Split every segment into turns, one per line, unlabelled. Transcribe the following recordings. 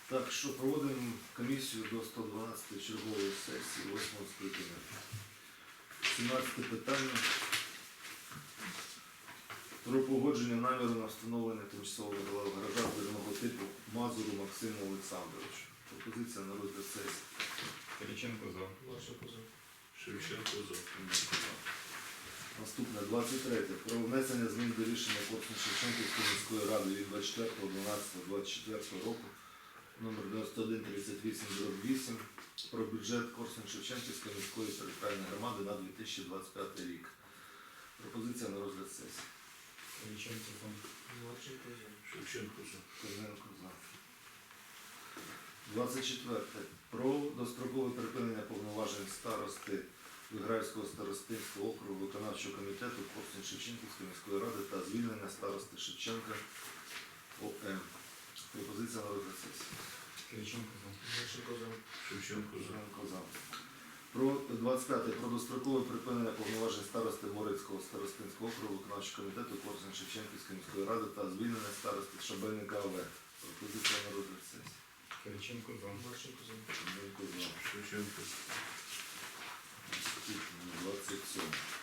Так що проводимо комісію до 112 чергової сесії 8-го скликання. 17 питання про погодження наміру на встановлення тимчасового гаража збірного типу Мазуру Максиму Олександровичу. Пропозиція на розгляд сесії.
Кириченко за.
Марченко за.
Шевченко за.
Наступне 23. Про внесення змін до рішення Корсунь-Шевченківської міської ради від 24.12.24 року номер 9138/8 про бюджет Корсунь-Шевченківської міської територіальної громади на 2025 рік. Пропозиція на розгляд сесії.
Кириченко за.
Марченко за.
Шевченко за.
Корнієнко за. 24. Про дострокове припинення повноважень старости Виграївського старостинського округу виконавчого комітету Корсунь-Шевченківської міської ради та звільнення старости Шевченка ОМ. Пропозиція на розгляд сесії.
Кириченко за.
Марченко за.
Шевченко за.
Корнієнко за. Про 25. Про дострокове припинення повноважень старости Морицького старостинського округу виконавчого комітету Корсунь-Шевченківської міської ради та звільнення старости Шабельника ОВ. Пропозиція на розгляд сесії.
Кириченко за.
Марченко за.
Корнієнко за.
Шевченко.
27.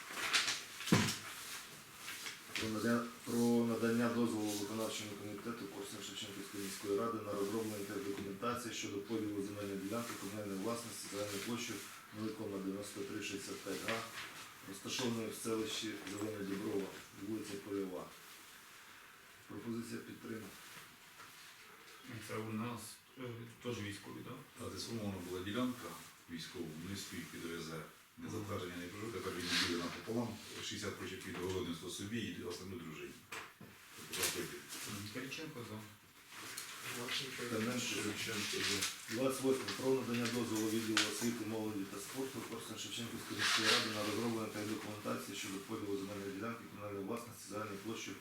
Про надання дозволу виконавчому комітету Корсунь-Шевченківської міської ради на розроблення документації щодо поділу земельної ділянки комунальної власності загальною площею 0,9365 га, розташованої в селищі Зелене Діброва, вулиця Польова. Пропозиція підтримана.
Це у нас теж військові, так?
А це сформована була ділянка військову, вони стоїть під ОСЗ. Не затвердження не прожив, тепер він діє напополам, 60 прочок від городництва собі і основну дружині.
Кириченко за.
Марченко за.
Терненко.
Шевченко за.
28. Про надання дозволу відділу освіти, молоді та спорту Корсунь-Шевченківської міської ради на розроблення та документації щодо поділу земельної ділянки комунальної власності загальною площею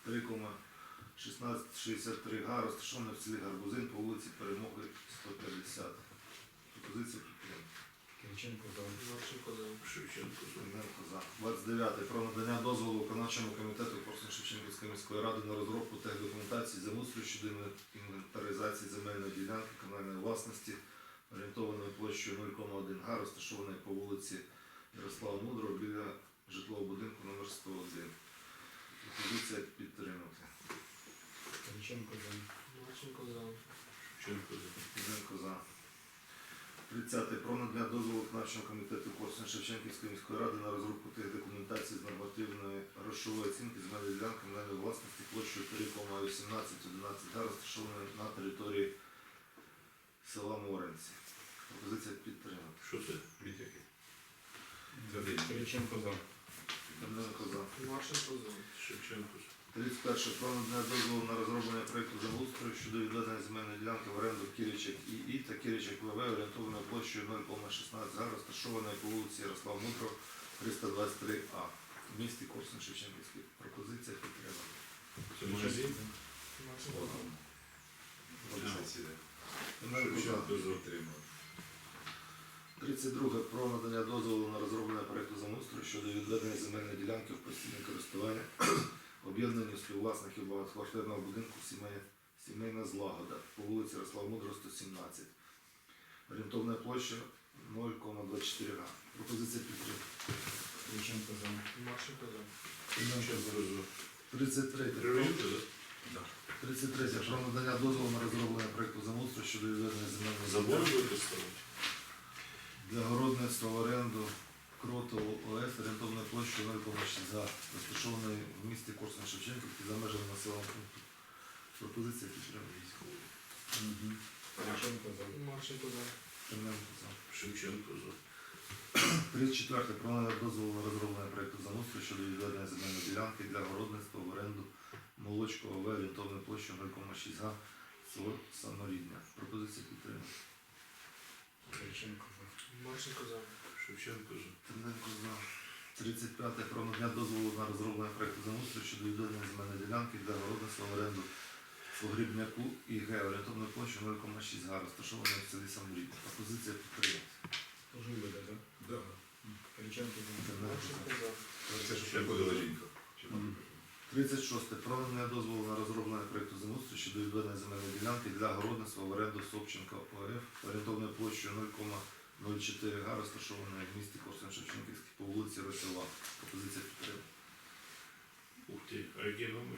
3,1663 га, розташованої в селі Гарбузин по вулиці Перемоги 150. Пропозиція підтримана.
Кириченко за.
Марченко за.
Шевченко за.
Терненко за. 29. Про надання дозволу виконавчому комітету Корсунь-Шевченківської міської ради на розробку техдокументації землеустрою щодо інвентаризації земельної ділянки комунальної власності, орієнтованої площею 0,1 га, розташованої по вулиці Ярослава Мудрого біля житлового будинку номер 101. Пропозиція підтримати.
Кириченко за.
Марченко за.
Шевченко за.
Терненко за. 30. Про надання дозволу виконавчого комітету Корсунь-Шевченківської міської ради на розробку техдокументації з нормативної грошової оцінки земельної ділянки комунальної власності площею 3,1811 га, розташованої на території села Моренці. Пропозиція підтримати.
Що це? Від який?
Кириченко за.
Терненко за.
Марченко за.
Шевченко за.
31. Про надання дозволу на розроблення проєкту землеустрою щодо відведення земельної ділянки в оренду Киричек ІІ та Киричек ВВ, орієнтованою площею 0,16 га, розташованої по вулиці Ярослава Мудрого, 323А в місті Корсунь-Шевченківський. Пропозиція підтримана.
Це магазин?
Марченко за.
Шевченко за.
32. Про надання дозволу на розроблення проєкту землеустрою щодо відведення земельної ділянки в постійне користування об'єднанню співвласників багатоквартирного будинку сімейна злагода по вулиці Ярослава Мудрого, 117. Орієнтовна площа 0,24 га. Пропозиція підтримки.
Кириченко за.
Марченко за.
Шевченко за.
33.
Кривенко за.
33. Про надання дозволу на розроблення проєкту землеустрою щодо відведення земельної
Забор
ділянки
будете ставити?
для городництва в оренду Кротову ОС орієнтовною площею 0,6 га, розташованої в місті Корсунь-Шевченківський за межами населеного пункту. Пропозиція підтримки.
Кириченко за.
Марченко за.
Терненко за.
Шевченко за.
34. Про надання дозволу на розроблення проєкту землеустрою щодо відведення земельної ділянки для городництва в оренду Молочкова ОВ орієнтовною площею 0,6 га, село Саморідня. Пропозиція підтримки.
Кириченко за.
Марченко за.
Шевченко за.
Терненко за. 35. Про надання дозволу на розроблення проєкту землеустрою щодо відведення земельної ділянки для городництва в оренду Погрібняку ІГ орієнтовною площею 0,6 га, розташованої в селі Саморідня. Пропозиція підтримки.
Теж вибеде, так?
Да.
Кириченко за.
Терненко за.
Марченко за.
Це що приходила жінка.
36. Про надання дозволу на розроблення проєкту землеустрою щодо відведення земельної ділянки для городництва в оренду Собченка ОФ орієнтовною площею 0,04 га, розташованої в місті Корсунь-Шевченківський по вулиці Росова. Пропозиція підтримана.
Ух ти, а який номер?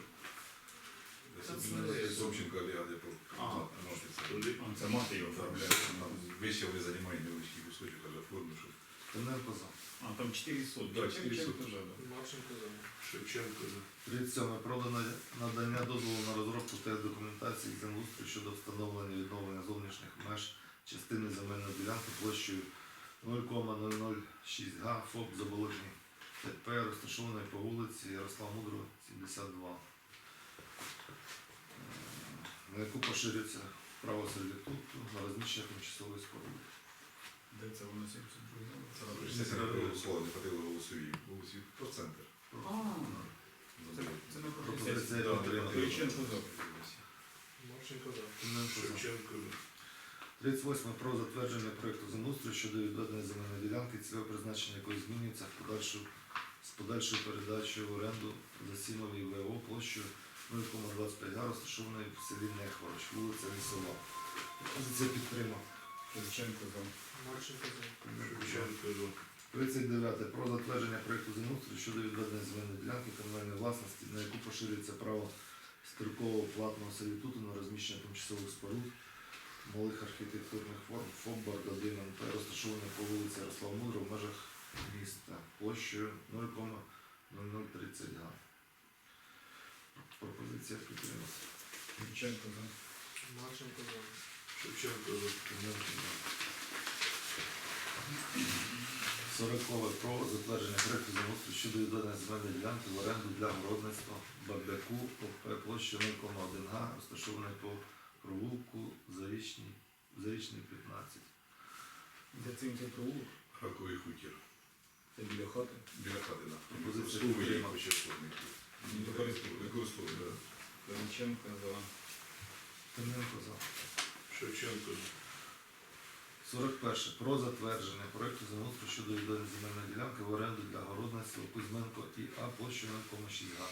Собченко Олега, я
Туди?
Це мати його оформляє.
Вище ви займаєте невеличкий кусочок, аж оформлю, що
Тимненко за.
А, там 400.
Да, 400.
Марченко за.
Шевченко за.
37. Про надання дозволу на розробку техдокументації землеустрою щодо встановлення і відновлення зовнішніх меж частини земельної ділянки площею 0,006 га ФОП Заболотні ТП, розташованої по вулиці Ярослава Мудрого, 72. На яку поширюється право сервітуту на розміщення тимчасової споруди.
Де це воно 72?
Це голосували, не хватило голосові. Голосів про центр.
Це не
Пропозиція
пропозиція.
підтримана.
Кириченко за.
Марченко за.
Тимненко за.
Шевченко за.
38. Про затвердження проєкту землеустрою щодо відведення земельної ділянки, цільове призначення якої змінюється з подальшою передачею в оренду Засімовій ВО площею 0,25 га, розташованої в селі Нехворощ, вулиця Лісова. Пропозиція підтримана.
Кириченко за.
Марченко за.
Шевченко за.
39. Про затвердження проєкту землеустрою щодо відведення земельної ділянки комунальної власності, на яку поширюється право строкового платного сервітуту на розміщення тимчасових споруд малих архітектурних форм ФОП «Бардадин НП», розташованих по вулиці Ярослава Мудрого в межах міста площею 0,0030 га. Пропозиція підтримана.
Кириченко за.
Марченко за.
Шевченко за.
40. Про затвердження проєкту землеустрою щодо відведення земельної ділянки в оренду для городництва Бабляку ОП площею 0,1 га, розташованої по провулку Зарічний 15.
Де цим цей провулок?
Раковий хутір.
Це біля хати.
Біля хати, так.
Пропозиція
Використовує як
підтримана.
почерпник. Використовує, так.
Кириченко за.
Тимненко за.
Шевченко за.
41. Про затвердження проєкту землеустрою щодо відведення земельної ділянки в оренду для городництва Кузьменко ІА площею 0,6 га.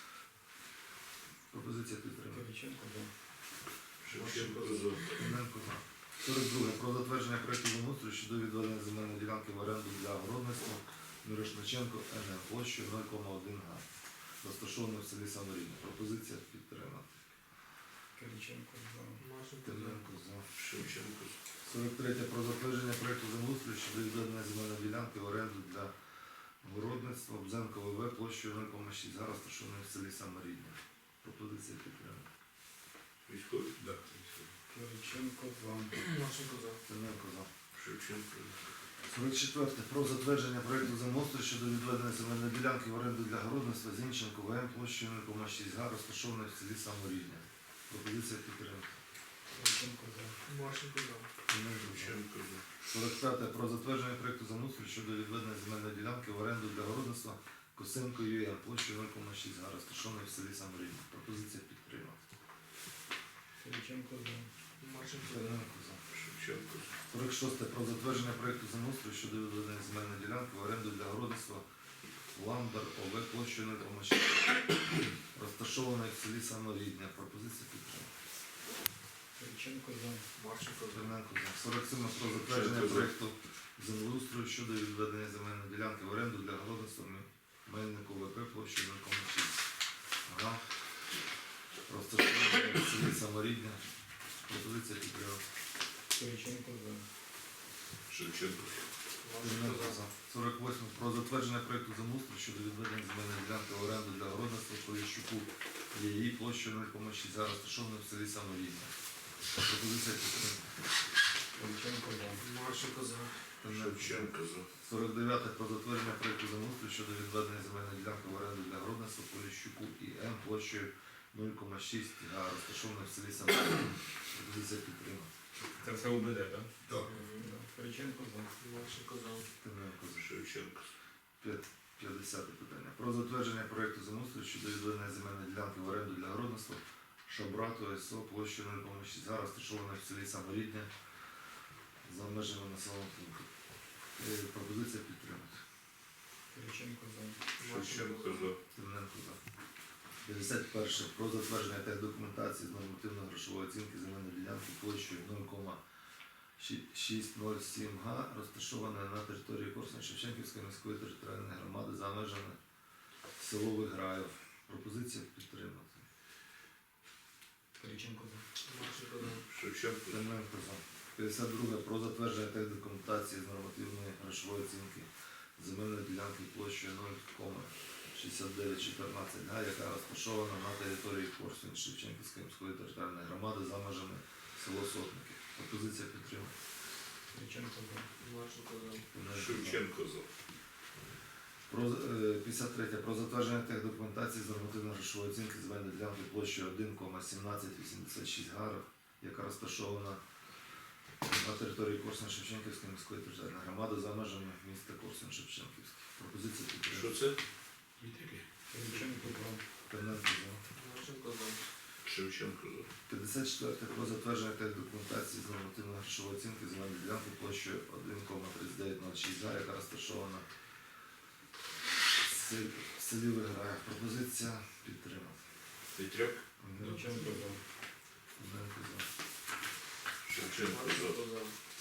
Пропозиція підтримана.
Кириченко за.
Шевченко за.
Тимненко за. 42. Про затвердження проєкту землеустрою щодо відведення земельної ділянки в оренду для городництва Мірошниченко НМ площею 0,1 га. Розташовано в селі Саморідне. Пропозиція підтримана.
Кириченко за.
Марченко за.
Тимненко за.
Шевченко за.
43. Про затвердження проєкту землеустрою щодо відведення земельної ділянки в оренду для городництва Бзенко ВВ площею 0,6 га, розташованої в селі Саморідне. Пропозиція підтримана.
Військовий.
Так.
Кириченко за.
Марченко за.
Тимненко за.
Шевченко за.
44. Про затвердження проєкту землеустрою щодо відведення земельної ділянки в оренду для городництва Зінченко ВМ площею 0,6 га, розташованої в селі Саморідне. Пропозиція підтримана.
Кириченко за.
Марченко за.
Тимненко за.
Шевченко за.
45. Про затвердження проєкту землеустрою щодо відведення земельної ділянки в оренду для городництва Косенко ЮМ площею 0,6 га, розташованої в селі Саморідне. Пропозиція підтримана.
Кириченко за.
Марченко за.
Тимненко за.
Шевченко за.
46. Про затвердження проєкту землеустрою щодо відведення земельної ділянки в оренду для городництва Ламбер ОВ площею 0,6 розташованої в селі Саморідне. Пропозиція підтримана.
Кириченко за.
Марченко за.
Тимненко за. 47. Про затвердження проєкту землеустрою щодо відведення земельної ділянки в оренду для городництва Мельнику ВП площею 0,6 га, розташованої в селі Саморідне. Пропозиція підтримана.
Кириченко за.
Шевченко за.
Марченко за.
48. Про затвердження проєкту землеустрою щодо відведення земельної ділянки в оренду для городництва Поліщуку її площею 0,6 га, розташованої в селі Саморідне. Пропозиція підтримана.
Кириченко за.
Марченко за.
Шевченко за.
49. Про затвердження проєкту землеустрою щодо відведення земельної ділянки в оренду для городництва Поліщуку ІМ площею 0,6 га, розташованої в селі Саморідне. Пропозиція підтримана.
Це все УБД, так?
Так.
Кириченко за.
Марченко за.
Тимненко за.
Шевченко за.
50 питання. Про затвердження проєкту землеустрою щодо відведення земельної ділянки в оренду для городництва Шабрату СО площею 0,6 га, розташованої в селі Саморідне за межами населеного пункту. Пропозиція підтримати.
Кириченко за.
Шевченко за.
Тимненко за. 51. Про затвердження техдокументації з нормативно-грошової оцінки земельної ділянки площею 0,607 га, розташованої на території Корсунь-Шевченківської міської територіальної громади за межами село Виграїв. Пропозиція підтримати.
Кириченко за.
Марченко за.
Шевченко.
Клименко за. 52. Про затвердження техдокументації з нормативної грошової оцінки земельної ділянки площею 0,6914 га, яка розташована на території Корсунь-Шевченківської міської територіальної громади за межами село Сотники. Пропозиція підтримана.
Кириченко за.
Марченко за.
Шевченко за.
53. Про затвердження техдокументації з нормативно-грошової оцінки земельної ділянки площею 1,1786 га, яка розташована на території Корсунь-Шевченківської міської територіальної громади за межами міста Корсунь-Шевченківський. Пропозиція
Що
підтримана.
це?
Відтяки.
Кириченко за.
Клименко за.
Марченко за.
Шевченко за.
54. Про затвердження техдокументації з нормативно-грошової оцінки земельної ділянки площею 1,3906 га, яка розташована в селі Виграїв. Пропозиція підтримана.
Петряк.
Кириченко за.
Клименко за.
Шевченко за.
Марченко за.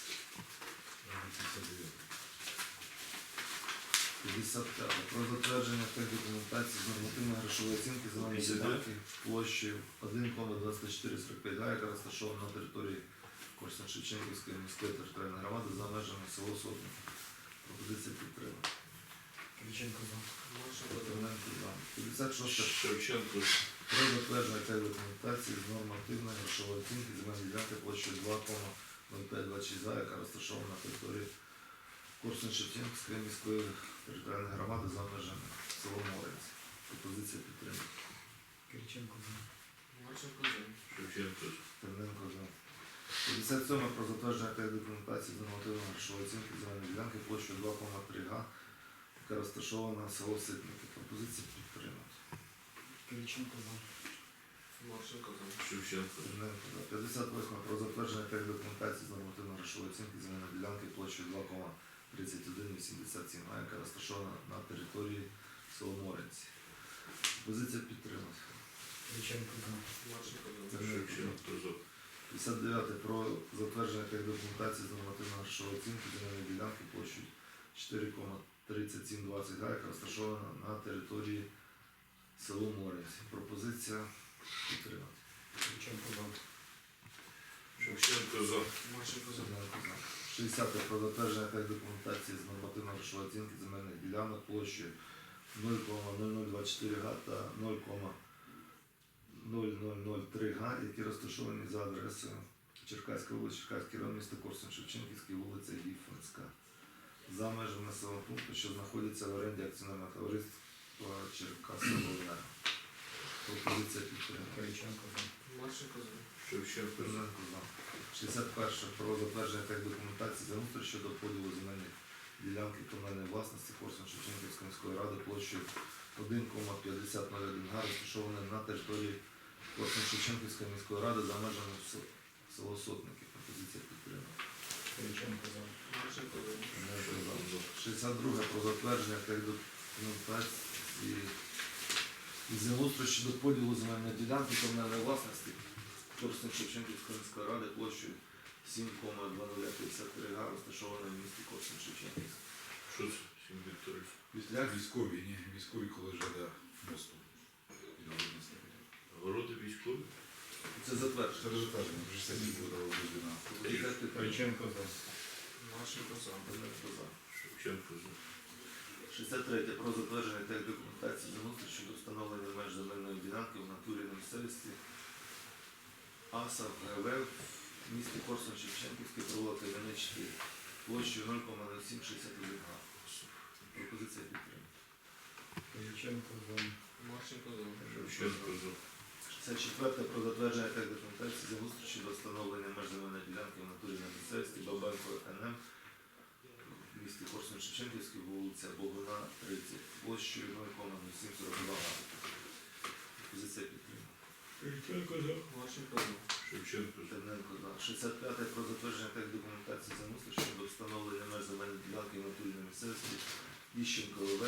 55. Про затвердження техдокументації з нормативно-грошової оцінки земельної
52.
ділянки площею 1,2445 га, яка розташована на території Корсунь-Шевченківської міської територіальної громади за межами село Сотник. Пропозиція підтримана.
Кириченко за.
Марченко за.
Клименко за. 56.
Шевченко за.
Про затвердження техдокументації з нормативної грошової оцінки земельної ділянки площею 2,0526 га, яка розташована на території Корсунь-Шевченківської міської територіальної громади за межами село Морець. Пропозиція підтримана.
Кириченко за.
Марченко за.
Шевченко за.
Терненко за. 57. Про затвердження техдокументації з нормативної грошової оцінки земельної ділянки площею 2,3 га, яка розташована на село Ситники. Пропозиція підтримана.
Кириченко за.
Марченко за.
Шевченко за.
Терненко за. 58. Про затвердження техдокументації з нормативної грошової оцінки земельної ділянки площею 2,3187 га, яка розташована на території село Моренці. Пропозиція підтримана.
Кириченко за.
Марченко за.
Шевченко за.
59. Про затвердження техдокументації з нормативної грошової оцінки земельної ділянки площею 4,3720 га, яка розташована на території село Моренці. Пропозиція підтримана.
Кириченко за.
Шевченко за.
Марченко за.
60. Про затвердження техдокументації з нормативної грошової оцінки земельних ділянок площею 0,0024 га та 0,0003 га, які розташовані за адресою Черкаська вулиця, Черкаський район, місто Корсунь-Шевченківський, вулиця Гіфманська, за межами населеного пункту, що знаходяться в оренді акціонерного товариства Черкасовенерго. Пропозиція підтримана.
Кириченко за.
Марченко за.
Шевченко за.
Терненко за. 61. Про затвердження техдокументації землеустрою щодо поділу земельних ділянки комунальної власності Корсунь-Шевченківської міської ради площею 1,5001 га, розташованої на території Корсунь-Шевченківської міської ради за межами село Сотники. Пропозиція підтримана.
Кириченко за.
Марченко за.
Терненко за. 62. Про затвердження техдокументації і землеустрою щодо поділу земельної ділянки комунальної власності Корсунь-Шевченківської міської ради площею 7,2053 га, розташованої в місті Корсунь-Шевченківськ.
Що це? Сім Вікторів.
Після
Військові, ні, військові, коли ЖД мосту.
Городи військові.
це затвердження.
Це результативно, вже сьогодні буде розділена.
Пропозиція підтримана.
Кириченко за.
Марченко за.
Терненко за.
Шевченко за.
63. Про затвердження техдокументації землеустрою щодо встановлення меж земельної ділянки в натурі на місцевості АСА ГВ в місті Корсунь-Шевченківський, провулок Кам'яний 4, площею 0,0761 га. Пропозиція підтримана.
Кириченко за.
Марченко за.
Шевченко за.
64. Про затвердження техдокументації землеустрою щодо встановлення меж земельної ділянки в натурі на місцевості Бабенко НМ в місті Корсунь-Шевченківський, вулиця Богуна, 30, площею 0,0742 га. Пропозиція підтримана.
Кириченко за.
Марченко за.
Шевченко за.
Терненко за. 65. Про затвердження техдокументації землеустрою щодо встановлення меж земельної ділянки в натурі на місцевості Іщенко ЛВ в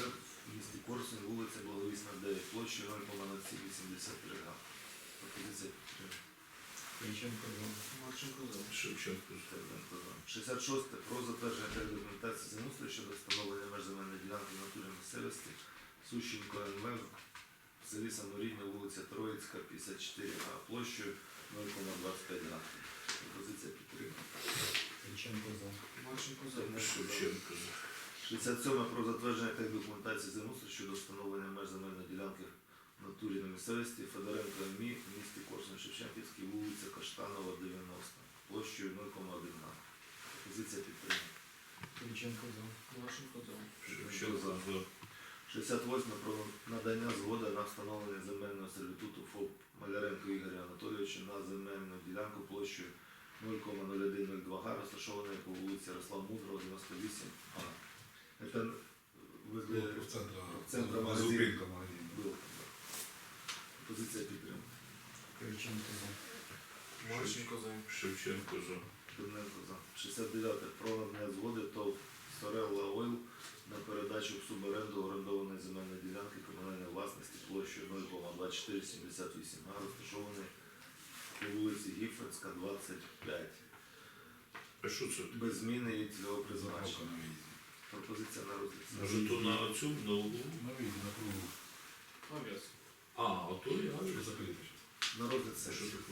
в місті Корсунь, вулиця Благовісна, 9, площею 0,0783 га. Пропозиція підтримана.
Кириченко за.
Марченко за.
Шевченко за.
Стерненко за. 66. Про затвердження та документації землеустрою щодо встановлення меж земельної ділянки в натурі місцевості Сущенко НМ в селі Саморідня, вулиця Троїцька, 54 га, площею 0,25 га. Пропозиція підтримана.
Кириченко за.
Марченко за.
Шевченко за.
67. Про затвердження та документації землеустрою щодо встановлення меж земельної ділянки в натурі на місцевості Федоренко МІ в місті Корсунь-Шевченківській, вулиця Каштанова, 90, площею 0,1 га. Пропозиція підтримана.
Кириченко за.
Марченко за.
Шевченко за.
68. Про надання згоди на встановлення земельного сервітуту ФОП Маляренко Ігоря Анатолійовича на земельну ділянку площею 0,0102 га, розташованої по вулиці Ярослава Мудрого, 98 А. Це
В
центра
магазину.
магазину.
Зупинка магазину.
Було. Позиція підтримана.
Кириченко за.
Марченко за.
Шевченко за.
Стерненко за. 69. Про надання згоди ТОВ Сорелла Ойл на передачу в суборенду орендованої земельної ділянки комунальної власності площею 0,2478 га, розташованої по вулиці Гіфренська, 25.
А що це?
Без зміни і цільового
Заправка
призначення.
на виїзді.
Пропозиція на розгляд.
Може то на цю, на углу?
На виїзді, на кругу.
Авіас.
А то я.
Що закрити зараз?
На розгляд
Що
сесії.
таке?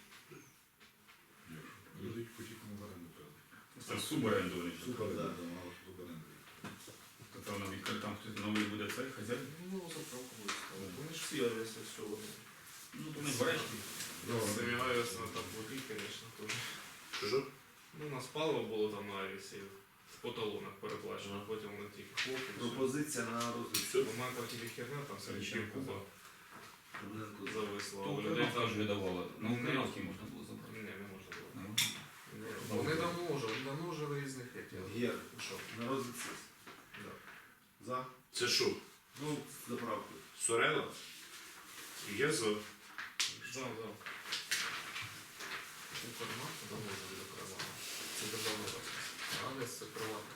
Люди потім в оренду передати.
Це суборенду вони.
Суборенду,
да.
да, мало суборенду.
То там відкрити, там хтось новий буде цей хазяїн.
Ну, заправку буде ставити. Вони ж всі авіаси все вони.
Ну, то не береш.
Самі авіаси на так воді, звісно, теж.
Що?
Ну, у нас паливо було там на авіасі. По талонах переплачено, а потім вони тільки хлопці.
Пропозиція на розгляд.
Все.
У мене там тільки херня, там все
Кириченко
Куба
Стерненко за.
зависло.
То
а у людей
Українська
там
ж видавала. На українській можна було забрати.
Ні, не можна було.
Ну,
Вони давно вже різних хотіли.
Гер.
Що?
На розгляд сесії.
Да.
За.
Це що?
Ну, з заправкою.
Сорела? Я за.
Да. Інформатика давно вже буде приватна. Це державна власність. Авіас це приватна.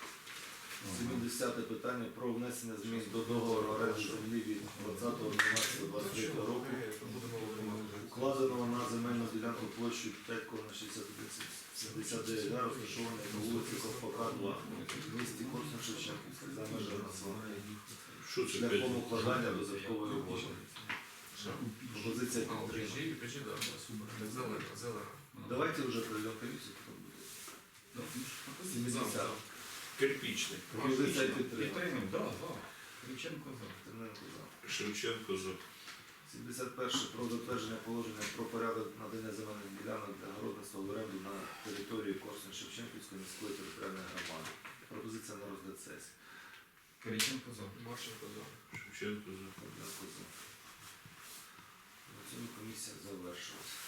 70. питання про внесення змін до договору оренди землі від 20.12.23 року,
Будемо вимагати.
укладеного на земельну ділянку площею 5,6179 га, розташованої на вулиці Ковпака, 2, в місті Корсунь-Шевченківський, за межами населення,
Що це
шляхом
п'ять?
укладання додаткової угоди. Пропозиція підтримана.
Печі, да. Так зелена.
Давайте вже проведемо комісію, потім буде. 70.
Кирпічний.
Пропозиція підтримана.
Підтримуємо, так, так. Кириченко за.
Стерненко за.
Шевченко за.
71. Про затвердження положення про порядок надання земельних ділянок для городництва в оренду на території Корсунь-Шевченківської міської територіальної громади. Пропозиція на розгляд сесії.
Кириченко за.
Марченко за.
Шевченко за.
Стерненко за. На цьому комісія завершилась.